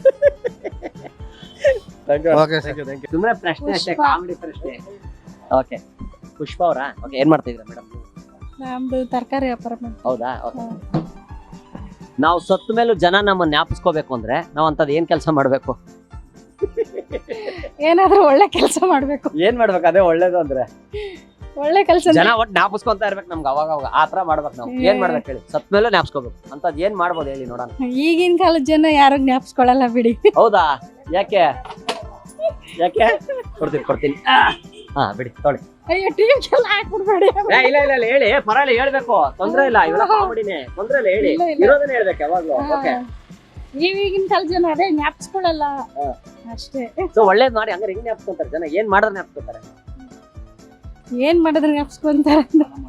[SPEAKER 8] ಓಕೆ ಸರ್.
[SPEAKER 1] ಸುಮ್ಮನೆ ಪ್ರಶ್ನೆ ಅಷ್ಟೇ, ಕಾಮಿಡಿ ಪ್ರಶ್ನೆ. ಓಕೆ, ಪುಷ್ಪ ಅವರಾ? ಓಕೆ, ಏನ್ ಮಾಡ್ತಾ ಇದ್ದೀರಾ ಮೇಡಮ್?
[SPEAKER 9] ನಮ್ದು ತರಕಾರಿ ವ್ಯಾಪಾರ ಮಾಡ್ತೀವಿ.
[SPEAKER 1] ಹೌದಾ? ಓಕೆ. ನಾವು ಸತ್ತ ಮೇಲೂ ಜನ ನಮ್ಮ ಜ್ಞಾಪಿಸ್ಕೋಬೇಕು ಅಂದ್ರೆ ನಾವು ಅಂತದ್ ಏನ್ ಕೆಲಸ ಮಾಡ್ಬೇಕು?
[SPEAKER 9] ಏನಾದ್ರೂ ಒಳ್ಳೆ ಕೆಲಸ ಮಾಡ್ಬೇಕು.
[SPEAKER 1] ಏನ್ ಮಾಡ್ಬೇಕು? ಅದೇ ಒಳ್ಳೇದು ಅಂದ್ರೆ
[SPEAKER 9] ಒಳ್ಳೆ ಕೆಲಸ
[SPEAKER 1] ಜನ ಒಟ್ಟು ಜ್ಞಾಪಿಸ್ಕೊಂತ ಇರ್ಬೇಕು ನಮ್ಗೆ, ಅವಾಗ ಅವಾಗ ಆ ತರ ಮಾಡ್ಬೇಕು. ನಾವು ಏನ್ ಮಾಡ್ಬೇಕು ಹೇಳಿ? ಸತ್ ಮೇಲೆ ಜ್ಞಾಪಿಸ್ಕೋಬೇಕು ಅಂತದ್ ಏನ್ ಮಾಡ್ಬೋದು ಹೇಳಿ ನೋಡೋಣ.
[SPEAKER 9] ಈಗಿನ ಕಾಲದ ಜನ ಯಾರು ಜ್ಞಾಪಿಸ್ಕೊಳಲ್ಲ ಬಿಡಿ.
[SPEAKER 1] ಹೌದಾ? ಯಾಕೆ ಯಾಕೆ? ಕೊಡ್ತೀನಿ ಕೊಡ್ತೀನಿ ಹಾ, ಬಿಡಿ ತೊಳಿ.
[SPEAKER 9] ಅಯ್ಯೋ, ಟಿವಿ ಎಲ್ಲ ಹಾಕ್ಬಿಡ್ಬೇಡಿ.
[SPEAKER 1] ಏ, ಇಲ್ಲ ಇಲ್ಲ ಇಲ್ಲ, ಹೇಳಿ, ಪರವಾಗಿಲ್ಲ, ಹೇಳ್ಬೇಕು, ತೊಂದ್ರೆ ಇಲ್ಲ, ಇವೆಲ್ಲ ಕಾಮಿಡಿನೇ, ತೊಂದ್ರೆ ಇಲ್ಲ, ಹೇಳಿ,
[SPEAKER 9] ಇಲ್ಲ, ಇಲ್ಲ.
[SPEAKER 1] ಇರೋದನ್ನ ಹೇಳ್ಬೇಕು ಯಾವಾಗ್ಲೂ. ಓಕೆ,
[SPEAKER 9] ಈಗಿನ ಕಾಲದ ಜನ ಅದೇ ಜ್ಞಾಪಿಸ್ಕೊಳಲ್ಲ ಅಷ್ಟೇ.
[SPEAKER 1] ಸೊ ಒಳ್ಳೇದ್ ಮಾಡಿ ಹಂಗಾರೆ ಹೆಂಗ್ ಜ್ಞಾಪಿಸ್ಕೊಂತಾರೆ ಜನ? ಏನ್ ಮಾಡಿದ್ರೆ ಜ್ಞಾಪಿಸ್ಕೊಂತಾರೆ?
[SPEAKER 9] ಏನ್ ಮಾಡಿದ್ರೆ ಜ್ಞಾಪಿಸ್ಕೊಂತಾರೆ?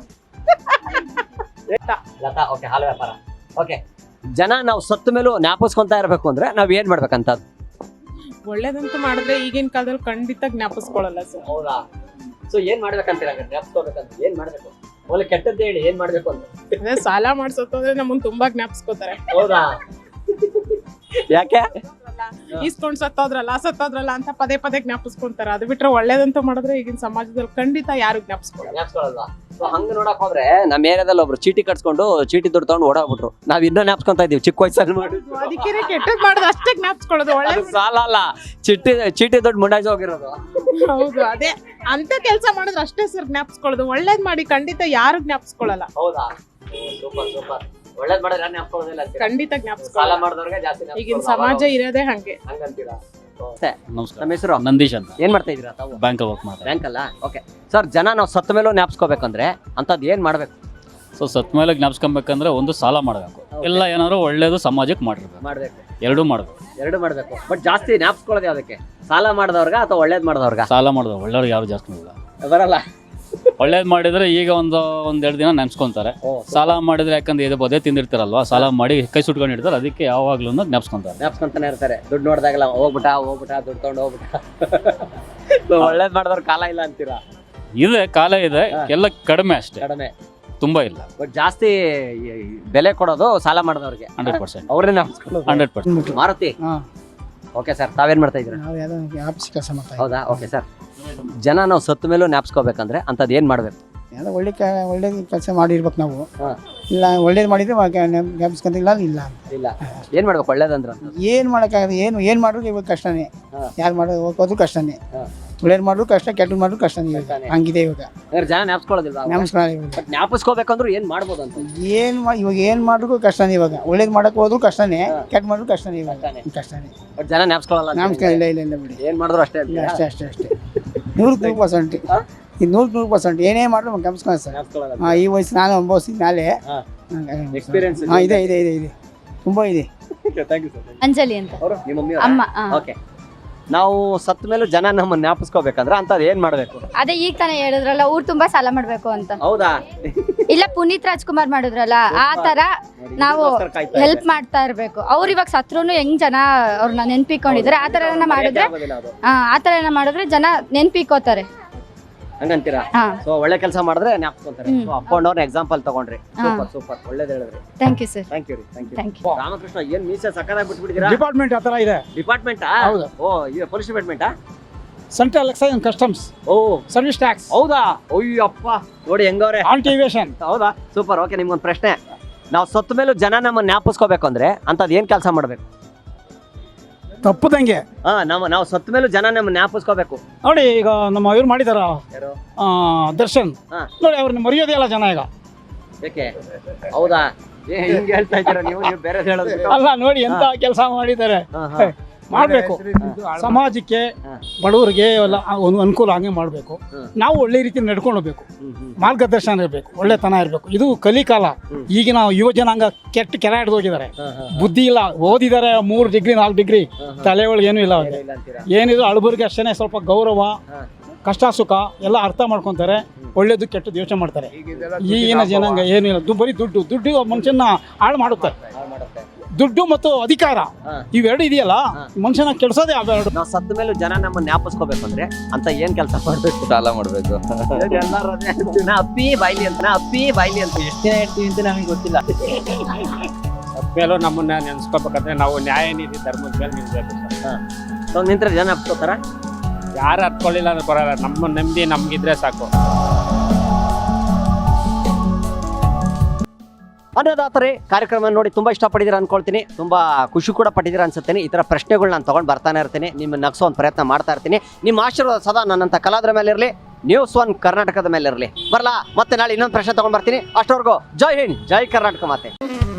[SPEAKER 1] ಲತಾ, ಓಕೆ, ಹಾಲು ವ್ಯಾಪಾರ. ಓಕೆ, ಜನ ನಾವು ಸತ್ತ ಮೇಲೂ ಜ್ಞಾಪಿಸ್ಕೊಂತ ಇರ್ಬೇಕು ಅಂದ್ರೆ ನಾವ್ ಏನ್ ಮಾಡ್ಬೇಕಂತ?
[SPEAKER 10] ಒಳ್ಳೇದಂತ ಮಾಡಿದ್ರೆ ಈಗಿನ ಕಾಲದಲ್ಲಿ ಖಂಡಿತ ಜ್ಞಾಪಿಸ್ಕೊಳ್ಳಲ್ಲ ಸರ್.
[SPEAKER 1] ಹೌದಾ? ಸೊ ಏನ್ ಮಾಡ್ಬೇಕಂತೀರ ಜ್ಞಾಪಿಸ್ಕೋಬೇಕಂತ? ಏನ್ ಮಾಡ್ಬೇಕು? ಒಳ್ಳೆ ಕೆಟ್ಟದ್ದು ಹೇಳಿ, ಏನ್ ಮಾಡ್ಬೇಕು ಅಂತ?
[SPEAKER 10] ಅದೇ ಸಾಲ ಮಾಡ್ಸೋತಂದ್ರೆ ನಮ್ಮನ್ನ ತುಂಬಾ ಜ್ಞಾಪಿಸ್ಕೋತಾರೆ.
[SPEAKER 1] ಹೌದಾ? ಯಾಕೆ?
[SPEAKER 10] ಈಸ್ಕೊಂಡ್ ಸತ್ತೋದ್ರಲ್ಲ ಸತ್ತೋದ್ರಲ್ಲ ಅಂತ ಪದೇ ಪದೇ ಜ್ಞಾಪಿಸ್ಕೊಂತಾರೆ. ಅದು ಬಿಟ್ರೆ ಒಳ್ಳೇದಂತ ಮಾಡಿದ್ರೆ ಈಗಿನ ಸಮಾಜದಲ್ಲಿ ಖಂಡಿತ ಯಾರು ಜ್ಞಾಪಿಸ್ಕೊಳ್ಳಲ್ಲ.
[SPEAKER 1] ಜ್ಞಾಪಿಸ್ಕೊಳ್ಳಲ್ವಾ? ಸೊ ಹಂಗ ನೋಡಕ್ ಹೋದ್ರೆ ನಮ್ಮ ಏರಿಯಾದಲ್ಲಿ ಒಬ್ರು ಚೀಟಿ ಕಟ್ಸ್ಕೊಂಡು ಚೀಟಿ ದುಡ್ಡು ತಗೊಂಡು ಓಡಾಗ್ಬಿಟ್ರು. ನಾವ್ ಇನ್ನೂ ಜ್ಞಾಪಿಸ್ಕೊಂತ ಇದೀವಿ ಚಿಕ್ಕ ವಯಸ್ಸಲ್ಲಿ ಮಾಡಿ.
[SPEAKER 10] ಅದಕ್ಕೆ ಕೆಟ್ಟದ್ ಮಾಡೋದು ಅಷ್ಟೇ ಜ್ಞಾಪಿಸ್ಕೊಳ್ಳೋದು. ಒಳ್ಳೆ
[SPEAKER 1] ಅದು ಸಾಲ ಅಲ್ಲ, ಚೀಟಿ ಚೀಟಿ ದುಡ್ಡು ಮುಂಡಾಜ್ ಹೋಗಿರೋದು.
[SPEAKER 10] ಹೌದು, ಅದೇ ಅಂತ ಕೆಲಸ ಮಾಡಿದ್ರೆ ಅಷ್ಟೇ ಸರ್ ಜ್ಞಾಪಿಸ್ಕೊಳ್ಳೋದು. ಒಳ್ಳೇದ್ ಮಾಡಿ ಖಂಡಿತ ಯಾರು ಜ್ಞಾಪಿಸ್ಕೊಳ್ಳಲ್ಲ.
[SPEAKER 1] ಹೌದಾ? Super super. ಒಳ್ಳೇದ್ ಮಾಡಿದ್ರೆ ಜ್ಞಾಪಿಸ್ಕೊಳ್ಳೋದಿಲ್ಲ ಅಂತೀರಾ?
[SPEAKER 10] ಖಂಡಿತ
[SPEAKER 1] ಸಾಲ
[SPEAKER 10] ಜ್ಞಾಪಿಸ್ಕೊಳ್ಳಲ್ಲ.
[SPEAKER 1] ಮಾಡಿದವ್ರಿಗೆ ಜಾಸ್ತಿ
[SPEAKER 10] ಈಗಿನ
[SPEAKER 1] ಜ್ಞಾಪಿಸ್ಕೊಳ್ಳೋದು.
[SPEAKER 10] ಸಮಾಜ ಇರೋದೇ ಹಂಗೆ.
[SPEAKER 1] ಹಂಗಂತೀರಾ?
[SPEAKER 11] ನಮಸ್ಕಾರ,
[SPEAKER 1] ನಮ್ಮ ಹೆಸರು
[SPEAKER 11] ನಂದೀಶ್ ಅಂತ.
[SPEAKER 1] ಏನ್ ಮಾಡ್ತಾ ಇದೀರಾ ತಾವು?
[SPEAKER 11] ಬ್ಯಾಂಕ್ ವರ್ಕ್ ಮಾಡ್ತಾರೆ.
[SPEAKER 1] ಬ್ಯಾಂಕ್ ಅಲ್ಲ? ಓಕೆ ಸರ್, ಜನ ನಾವು ಸತ್ತ ಮೇಲೂ ಜ್ಞಾಪಿಸ್ಕೋಬೇಕಂದ್ರೆ ಅಂತದ್ ಏನ್ ಮಾಡ್ಬೇಕು?
[SPEAKER 11] ಸೊ ಸತ್ ಮೇಲೆ ಜ್ಞಾಪಿಸ್ಕೊಬೇಕಂದ್ರೆ ಒಂದು ಸಾಲ ಮಾಡಬೇಕು, ಇಲ್ಲ ಏನಾದ್ರು ಒಳ್ಳೇದು ಸಮಾಜಕ್ಕೆ ಮಾಡಿರ್ಬೇಕು.
[SPEAKER 1] ಮಾಡ್ಬೇಕು,
[SPEAKER 11] ಎರಡೂ ಮಾಡಬೇಕು.
[SPEAKER 1] ಎರಡು ಮಾಡ್ಬೇಕು. ಬಟ್ ಜಾಸ್ತಿ ಜ್ಞಾಪಿಸ್ಕೊಳ್ಳೋದು ಯಾವ್ದಕ್ಕೆ? ಸಾಲ ಮಾಡಿದವ್ರಗ ಅಥವಾ ಒಳ್ಳೇದ್ ಮಾಡಿದವ್ರಗ?
[SPEAKER 11] ಸಾಲ ಮಾಡಿದ್ರು ಒಳ್ಳೆಯವ್ರು ಯಾರು ಜಾಸ್ತಿ ಇಲ್ಲ.
[SPEAKER 1] ಬರಲ್ಲ.
[SPEAKER 11] ಒಳ್ಳೇದು ಮಾಡಿದ್ರೆ ಈಗ ಒಂದು ಒಂದೆರಡು ದಿನ ನೆನ್ಸ್ಕೊಂತಾರೆ. ಸಾಲ ಮಾಡಿದ್ರೆ ಯಾಕಂದ್ರೆ ಇದು ಬದೇ ತಿಂದಿರ್ತಾರಲ್ವಾ, ಸಾಲ ಮಾಡಿ ಕೈ ಸುಟ್ಕೊಂಡು ಇಡ್ತಾರೆ, ಅದಕ್ಕೆ ಯಾವಾಗ್ಲೂ ಜ್ಞಾಪಿಸ್ಕೊಂತಾರೆ.
[SPEAKER 1] ಜ್ಞಾಪಿಸ್ಕೊಂತಾನೆ ಇರ್ತಾರೆ. ದುಡ್ಡು ನೋಡಿದಾಗಲ್ಲ ಹೋಗ್ಬಿಟ್ಟ ಹೋಗ್ಬಿಟ್ಟ ದುಡ್ಡು ತಗೊಂಡು ಹೋಗ್ಬಿಟ್ಟ. ಒಳ್ಳೇದ್ ಮಾಡಿದವ್ರ ಕಾಲ ಇಲ್ಲ ಅಂತೀರಾ?
[SPEAKER 11] ಇದೆ, ಕಾಲ ಇದೆ, ಎಲ್ಲ ಕಡಿಮೆ ಅಷ್ಟೇ,
[SPEAKER 1] ಕಡಿಮೆ,
[SPEAKER 11] ತುಂಬಾ ಇಲ್ಲ.
[SPEAKER 1] ಬಟ್ ಜಾಸ್ತಿ ಬೆಲೆ ಕೊಡೋದು ಸಾಲ ಮಾಡಿದವ್ರಿಗೆ.
[SPEAKER 11] ಹಂಡ್ರೆಡ್ ಪರ್ಸೆಂಟ್
[SPEAKER 1] ಅವ್ರನ್ನೇ ಜ್ಞಾಪಿಸ್ಕೊಳ್ಳೋದು.
[SPEAKER 11] Hundred percent
[SPEAKER 1] Maruti, okay sir, ತಾವೇನ್ ಮಾಡ್ತಾ ಇದ್ದೀರಾ?
[SPEAKER 5] ನಾವು ಆಫೀಸ್ ಕೆಲಸ ಮಾಡ್ತಾ
[SPEAKER 1] ಹೌದಾ? ಓಕೆ ಸರ್, ಜನ ನಾವು ಸತ್ತ ಮೇಲೂ ಜ್ಞಾಪಿಸ್ಕೋಬೇಕಂದ್ರೆ ಅಂಥದ್ದು ಏನು ಮಾಡಬೇಕು?
[SPEAKER 5] ಎಲ್ಲ ಒಳ್ಳೆ ಕ ಒಳ್ಳೆ ಕೆಲಸ ಮಾಡಿರ್ಬೇಕು ನಾವು.
[SPEAKER 1] ಹಾಂ.
[SPEAKER 5] ಇಲ್ಲ ಒಳ್ಳೇದು ಮಾಡಿದ್ರೆ ಜ್ಞಾಪಿಸ್ಕೊಂತ ಇಲ್ಲ ಇಲ್ಲ
[SPEAKER 1] ಇಲ್ಲ ಏನು ಮಾಡ್ಬೇಕು ಒಳ್ಳೇದಂದ್ರೆ?
[SPEAKER 5] ಏನು ಮಾಡೋಕ್ಕಾಗಲ್ಲ. ಏನು ಏನು ಮಾಡಿದ್ರು ಇವಾಗ ಕಷ್ಟನೇ. ಯಾರು ಮಾಡೋದು ಹೋಗೋದು ಕಷ್ಟನೇ. ಒಳ್ಳೇದು ಮಾಡಿದ್ರು ಕಷ್ಟ, ಕೆಟ್ಟದ್ದು ಮಾಡಿದ್ರು ಕಷ್ಟನೇ. ಇವಾಗ ಹಂಗಿದೆ ಇವಾಗ.
[SPEAKER 1] ಅಂದ್ರೆ ಜನ ಜ್ಞಾಪಿಸ್ಕೊಳ್ಳೋದಿಲ್ಲ.
[SPEAKER 5] ನಮಸ್ಕಾರ.
[SPEAKER 1] ಬಟ್ ಜ್ಞಾಪಿಸ್ಕೋಬೇಕಂದ್ರೂ ಏನು ಮಾಡ್ಬೋದು ಅಂತ?
[SPEAKER 5] ಏನು ಮಾ ಇವಾಗ ಏನು ಮಾಡಿದ್ರು ಕಷ್ಟನೇ. ಇವಾಗ ಒಳ್ಳೇದು ಮಾಡೋಕೆ ಹೋದ್ರು ಕಷ್ಟನೇ, ಕೆಟ್ಟ ಮಾಡಿದ್ರು ಕಷ್ಟನೇ. ಇವಾಗ ಕಷ್ಟನೇ.
[SPEAKER 1] ಬಟ್ ಜನ ಜ್ಞಾಪಿಸ್ಕೊಳ್ಳಲ್ಲ.
[SPEAKER 5] ನಮಸ್ಕಾರ. ಇಲ್ಲ ಇಲ್ಲ ಇಲ್ಲ ಬಿಡಿ.
[SPEAKER 1] ಏನು ಮಾಡಿದ್ರು ಅಷ್ಟೇ
[SPEAKER 5] ಇಲ್ಲ ಅಷ್ಟೇ ಅಷ್ಟೇ ಅಷ್ಟೇ ನೂರಕ್ಕೆ ನೂರು ಪರ್ಸೆಂಟ್. ಇದು ನೂರಕ್ಕೆ ನೂರು ಪರ್ಸೆಂಟ್ ಏನೇ ಮಾಡಿದ್ರು ಜ್ಞಾಪಿಸ್ಕೊಳ್ಳಿ ಸರ್. ಹಾಂ, ಈ ವಯಸ್ಸು ನಾನು ಅನುಭವಿಸಿದ ಮೇಲೆ
[SPEAKER 1] ಎಕ್ಸ್ಪೀರಿಯನ್ಸ್.
[SPEAKER 5] ಹಾಂ, ಇದೆ ಇದೆ ಇದೆ ಇದೆ ತುಂಬ ಇದೆ.
[SPEAKER 9] ಅಂಜಲಿ ಅಂತ
[SPEAKER 1] ನಿಮ್ಮ ಮಮ್ಮಿ
[SPEAKER 9] ಅಮ್ಮ.
[SPEAKER 1] ಓಕೆ. ನಾವು ಸತ್ತ ಮೇಲೂ ಜನ ನಮ್ಮ ಜ್ಞಾಪಿಸ್ಕೋಬೇಕಂದ್ರೆ ಅಂಥದ್ದು ಏನು ಮಾಡಬೇಕು?
[SPEAKER 9] ಅದೇ ಈಗ ತಾನೇ ಹೇಳಿದ್ರಲ್ಲ, ಊರ್ ತುಂಬಾ ಸಾಲ ಮಾಡ್ಬೇಕು ಅಂತ.
[SPEAKER 1] ಹೌದಾ?
[SPEAKER 9] ಇಲ್ಲ, ಪುನೀತ್ ರಾಜ್ಕುಮಾರ್ ಮಾಡಿದ್ರಲ್ಲ ಆ ತರ ನಾವು ಹೆಲ್ಪ್ ಮಾಡ್ತಾ ಇರ್ಬೇಕು. ಅವ್ರು ಇವಾಗ ಸತ್ರುನು ಹೆಂಗ್ ಜನ ಅವ್ರನ್ನ ನೆನ್ಪಿಕೊಂಡಿದ್ರೆ ಆ ತರ ಮಾಡಿದ್ರೆ ಆ ತರ ಮಾಡಿದ್ರೆ ಜನ ನೆನ್ಪಿಕೋತಾರೆ.
[SPEAKER 1] ಹಂಗಂತೀರಾ?
[SPEAKER 9] ಹಾ.
[SPEAKER 1] ಸೊ ಒಳ್ಳೆ ಕೆಲಸ ಮಾಡಿದ್ರೆ ಜ್ಞಾಪಿಸ್ಕೊಂತಾರೆ. ಸೊ ಅಪ್ಪಣ್ಣವ್ರನ್ನ ಎಕ್ಸಾಂಪಲ್ ತಗೊಂಡ್ರಿ. ಸೂಪರ್ ಸೂಪರ್, ಒಳ್ಳೇದು ಹೇಳಿದ್ರಿ.
[SPEAKER 9] Thank you sir.
[SPEAKER 1] Thank you ರೀ. Thank you.
[SPEAKER 9] Thank you.
[SPEAKER 1] Ramakrishna, ಏನ್ ಮೀಸೆ ಸಕ್ಕದಾಗಿ ಬಿಟ್ಬಿಟ್ಟಿದ್ದೀರಾ?
[SPEAKER 6] ಡಿಪಾರ್ಟ್ಮೆಂಟ್ ಆ ಥರ ಇದೆ.
[SPEAKER 1] ಡಿಪಾರ್ಟ್ಮೆಂಟ್?
[SPEAKER 6] ಹೌದು.
[SPEAKER 1] ಓ, ಇದು ಪೊಲೀಸ್ ಡಿಪಾರ್ಟ್ಮೆಂಟಾ?
[SPEAKER 6] Central excise and customs.
[SPEAKER 1] ಓ,
[SPEAKER 6] ಸರ್ವಿಸ್ ಟ್ಯಾಕ್ಸ್.
[SPEAKER 1] ಹೌದಾ? ಅಯ್ಯಪ್ಪ, ನೋಡಿ ಹೆಂಗವ್ರೆ.
[SPEAKER 6] ಆಂಟಿವೇಷನ್.
[SPEAKER 1] ಹೌದಾ? ಸೂಪರ್. ಓಕೆ, ನಿಮ್ಗೊಂದು ಪ್ರಶ್ನೆ. ನಾವು ಸತ್ತ ಮೇಲೂ ಜನ ನಮ್ಮ ಜ್ಞಾಪಿಸ್ಕೋಬೇಕು ಅಂದ್ರೆ ಅಂಥದ್ದು ಏನ್ ಕೆಲಸ ಮಾಡ್ಬೇಕು?
[SPEAKER 6] ತಪ್ಪದಂಗೆ.
[SPEAKER 1] ಹಾ, ನಮ್ಮ ನಾವು ಸತ್ತ ಮೇಲೂ ಜನ ನಮ್ಮ ಜ್ಞಾಪಿಸ್ಕೋಬೇಕು.
[SPEAKER 6] ನೋಡಿ, ಈಗ ನಮ್ಮ ಇವ್ರು ಮಾಡಿದಾರ
[SPEAKER 1] ಯಾರು?
[SPEAKER 6] ದರ್ಶನ್.
[SPEAKER 1] ಹಾ.
[SPEAKER 6] ನೋಡಿ, ಅವ್ರನ್ನ ಮರೆಯೋದೇ ಇಲ್ಲ ಜನ ಈಗ.
[SPEAKER 1] ಯಾಕೆ? ಹೌದಾ? ಏ, ಹಿಂಗೆ ಹೇಳ್ತಾ ಇದ್ದೀರಾ ನೀವು? ನೀವು ಬೇರೆ ಹೇಳೋದು ಬಿಟ್ಟು.
[SPEAKER 6] ಅಲ್ಲ, ನೋಡಿ ಎಂತ ಕೆಲಸ ಮಾಡಿದ್ದಾರೆ.
[SPEAKER 1] ಹಾ, ಹಾ.
[SPEAKER 6] ಮಾಡಬೇಕು. ಸಮಾಜಕ್ಕೆ, ಬಡವರಿಗೆ ಎಲ್ಲ ಒಂದು ಅನುಕೂಲ ಹಂಗೆ ಮಾಡಬೇಕು. ನಾವು ಒಳ್ಳೆ ರೀತಿ ನಡ್ಕೊಂಡು ಹೋಗ್ಬೇಕು. ಮಾರ್ಗದರ್ಶನ ಇರಬೇಕು, ಒಳ್ಳೆತನ ಇರಬೇಕು. ಇದು ಕಲಿಕಾಲ. ಈಗಿನ ಯುವ ಜನಾಂಗ ಕೆಟ್ಟ ಕೆಲ ಹಿಡ್ದು ಹೋಗಿದ್ದಾರೆ. ಬುದ್ಧಿ ಇಲ್ಲ, ಓದಿದ್ದಾರೆ ಮೂರು ಡಿಗ್ರಿ ನಾಲ್ಕು ಡಿಗ್ರಿ, ತಲೆ ಒಳಗೆ ಏನೂ ಇಲ್ಲ ಅವ್ರಿಗೆ. ಏನಿದ್ರು ಅಳಬರಿಗೆ ಅಷ್ಟೇ ಸ್ವಲ್ಪ ಗೌರವ, ಕಷ್ಟ ಸುಖ ಎಲ್ಲ ಅರ್ಥ ಮಾಡ್ಕೊತಾರೆ. ಒಳ್ಳೇದು ಕೆಟ್ಟದ್ದು ಯೋಚನೆ ಮಾಡ್ತಾರೆ. ಈಗಿನ ಜನಾಂಗ ಏನೂ ಇಲ್ಲ. ದು ಬರೀ ದುಡ್ಡು ದುಡ್ಡು ಮನುಷ್ಯನ ಹಾಳು ಮಾಡುತ್ತಾರೆ. ದುಡ್ಡು ಮತ್ತು ಅಧಿಕಾರ ಇವೆರಡು ಇದೆಯಲ್ಲ, ಮನುಷ್ಯನ ಕೆಡ್ಸೋದೇ ಅವೆರಡು.
[SPEAKER 1] ನಾವು ಸತ್ತ ಮೇಲೂ ಜನ ನಮ್ಮ ಜ್ಞಾಪಿಸ್ಕೋಬೇಕು ಅಂದ್ರೆ ಅಂತ ಏನ್ ಕೆಲಸ ಮಾಡ್ಬೇಕು?
[SPEAKER 8] ಸಾಲ ಮಾಡ್ಬೇಕು.
[SPEAKER 1] ಎಲ್ಲರೂ ಅಪ್ಪಿ ಬಾಯ್ಲಿ ಅಂತ ಅಪ್ಪಿ ಬಾಯ್ಲಿ ಅಂತ ಎಷ್ಟು ದಿನ ಹೇಳ್ತೀವಿ ಅಂತ ನಮಗೆ ಗೊತ್ತಿಲ್ಲ.
[SPEAKER 3] ಮೇಲೂ ನಮ್ಮನ್ನ ನೆನ್ಸ್ಕೋಬೇಕಂದ್ರೆ ನಾವು ನ್ಯಾಯ ನೀತಿ ಧರ್ಮದ ಮೇಲೆ ನಿಲ್ಬೇಕು ಸರ್.
[SPEAKER 1] ಸೊ ನಿಂತ್ರೆ ಜನ ಅಪ್ಕೋತಾರ?
[SPEAKER 3] ಯಾರು ಹತ್ಕೊಳ್ಳಿಲ್ಲ ಅಂದ್ರೆ ಬರಲ್ಲ. ನಮ್ಮ ನೆಮ್ಮದಿ ನಮ್ಗಿದ್ರೆ ಸಾಕು.
[SPEAKER 1] ಅನ್ನದಾತರೇ, ಕಾರ್ಯಕ್ರಮ ನೋಡಿ ತುಂಬ ಇಷ್ಟಪಟ್ಟಿದ್ದೀರಾ ಅನ್ಕೊಳ್ತೀನಿ. ತುಂಬ ಖುಷಿ ಕೂಡ ಪಟ್ಟಿದ್ದೀರಾ ಅನ್ಸುತ್ತೇನೆ. ಈ ಥರ ಪ್ರಶ್ನೆಗಳು ನಾನು ತೊಗೊಂಡು ಬರ್ತಾನೆ ಇರ್ತೀನಿ. ನಿಮ್ಮ ನಗಿಸೋ ಒಂದು ಪ್ರಯತ್ನ ಮಾಡ್ತಾ ಇರ್ತೀನಿ. ನಿಮ್ಮ ಆಶೀರ್ವಾದ ಸದಾ ನನ್ನಂಥ ಕಲಾವಿದರ ಮೇಲೆ ಇರಲಿ, ನ್ಯೂಸ್ ಒನ್ ಕರ್ನಾಟಕದ ಮೇಲೆ ಇರಲಿ. ಬರಲಾ, ಮತ್ತೆ ನಾಳೆ ಇನ್ನೊಂದು ಪ್ರಶ್ನೆ ತೊಗೊಂಡು ಬರ್ತೀನಿ. ಅಷ್ಟವರೆಗೂ ಜೈ ಹಿಂದ್, ಜೈ ಕರ್ನಾಟಕ ಮಾತೆ.